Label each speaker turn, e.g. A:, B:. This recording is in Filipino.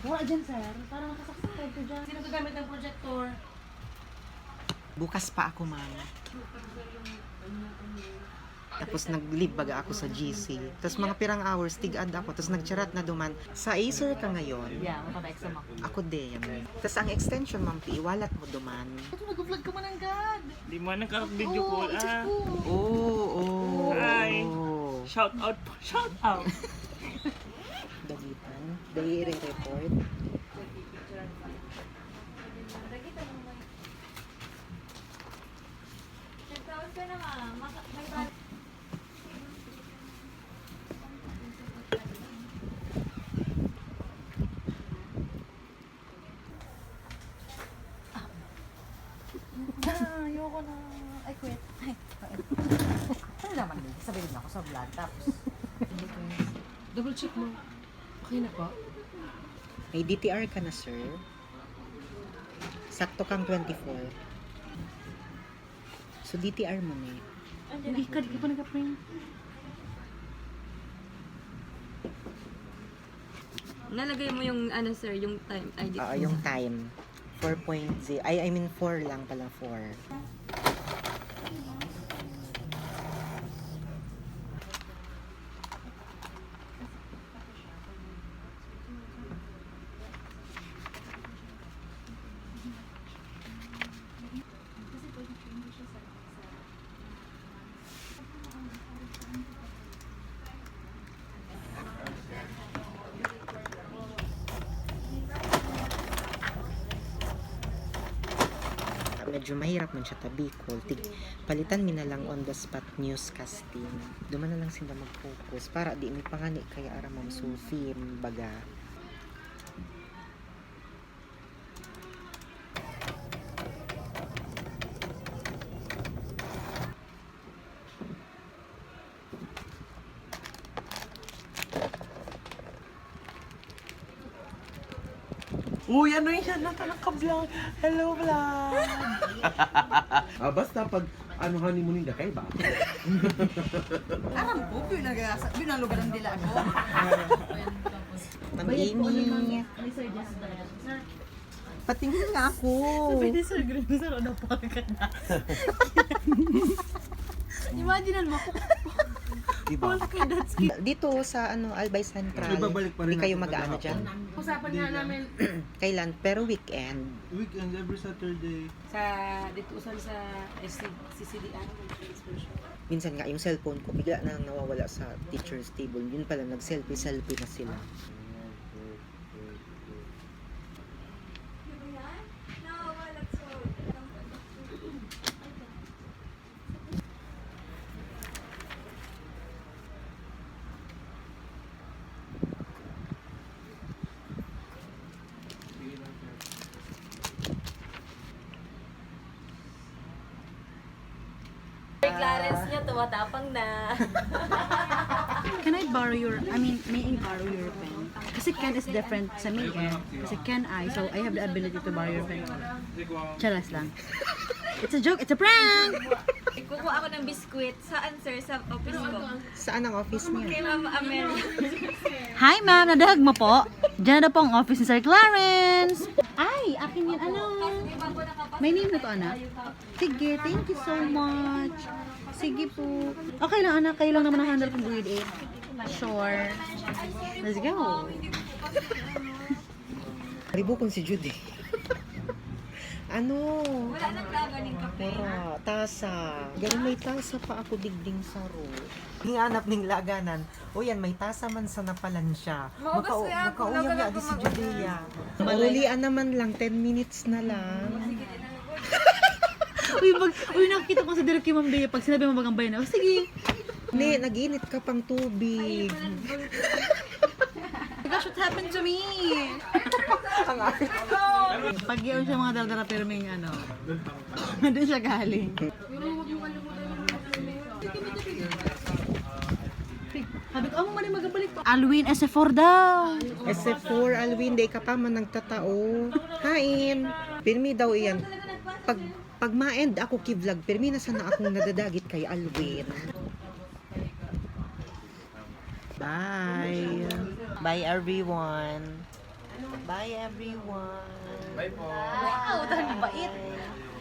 A: Wala dyan, sir. Para makasaksak ko dyan. Sino gagamit ng projector?
B: Bukas pa ako, ma'am. Tapos nag-leave baga ako sa GC. Tapos mga pirang hours, tig-ad ako. Tapos nagcharat na duman. Sa Acer ka ngayon.
A: Yeah, makapa-exam ako.
B: Ako din. Tapos ang extension, ma'am, iwalat mo duman.
A: Ito, nag-vlog ka man ang God.
C: Di mo nagka-video call, ah.
B: Oo.
C: Hi. Shout out po, shout out.
B: Dagitan. Dahil i-report.
A: Ayoko na. I quit. Ay, ano naman din? Sabihin na ako sa vlog. Tapos, double check mo. Okay na po?
B: May DTR ka na, sir. Sakto kang 24. So, DTR mo na.
A: Hindi ka, di ka pa nag-print.
D: Nalagay mo yung ano sir, yung time ID.
B: Yung time. 4.0. I mean 4 lang pala, 4. Medyo mahirap man siya tabikol. Palitan mi na lang on the spot newscasting. Duman na lang sila mag-focus para di mi pangani kaya ara Ma'am Sophie baga.
C: Uy, ano yan? Naka-vlog. Hello, vlog.
E: Basta pag ano honeymoon hindi kay ba?
A: Aram ko, binalugaran nila ako.
B: Ma'am Amy.
A: Sir, just Sir,
B: Patingin nga ako.
A: pwede sir, green sir, ano pa ka na? Imagine mo,
E: Diba?
B: Dito sa Albay Central.
E: Ibabalik pa rin
B: Di kayo
E: natin
B: mag-ano
E: maghapon.
B: dyan?
A: usapan nga namin
B: Kailan? Pero weekend.
E: Weekend, every Saturday.
A: sa dito usan sa CCDR.
B: Minsan nga yung cellphone ko bigla na nawawala sa teacher's table. Yun pala, nag-selfie na sila.
D: Clarence niya, tumatapang na.
F: Can I borrow may I borrow your pen? Kasi Ken is different sa me eh. Kasi Ken so I have the ability to borrow your pen. Charas lang. It's a joke, it's a prank!
D: Kukuha ako ng biskwit. Saan sir? Sa office ko.
B: Saan ang office niya?
D: Kay Ma'am Amelia.
F: Hi ma'am, nadahag mo po? Diyan na po ang office ni Sir Clarence! Ay, akin yan, ano? May name na to anak? Sige, thank you so much. Sige po. Okay lang anak, kayo lang naman ang handle kong grade 8. Sure. Let's go.
B: Ribukon si Judy. Ano?
D: Wala nang laganing kape.
B: Pura, tasa. Ganun may tasa pa ako digding saro. Hinganap ning laganan. O yan, may tasa man sa napalan siya.
D: Maubos ko yan.
B: Makauyang nga
D: Nagalag
B: di si
D: ko
B: Judea. Maulian naman lang, 10 minutes na lang.
F: Uy, nakikita ko sa direct kay Ma'am Bea pag sinabi mo bagang bayan. Sige.
B: Hindi, nag-init ka pang tubig.
F: Gosh, what happened to me? Pag yun siya mga dardara pero may ano. Doon siya galing. Sabi ko, mo man magabalik pa. Alwin, SF4 daw.
B: SF4, Alwin, day ka pa man nagtatao. Hain. Pirmi daw iyan. Pag ma-end ako ki-vlog, pirmi na sana akong nadadagit kay Alwin. Bye. Bye everyone. Bye everyone.
E: Bye po.
A: Wow, dahil bait.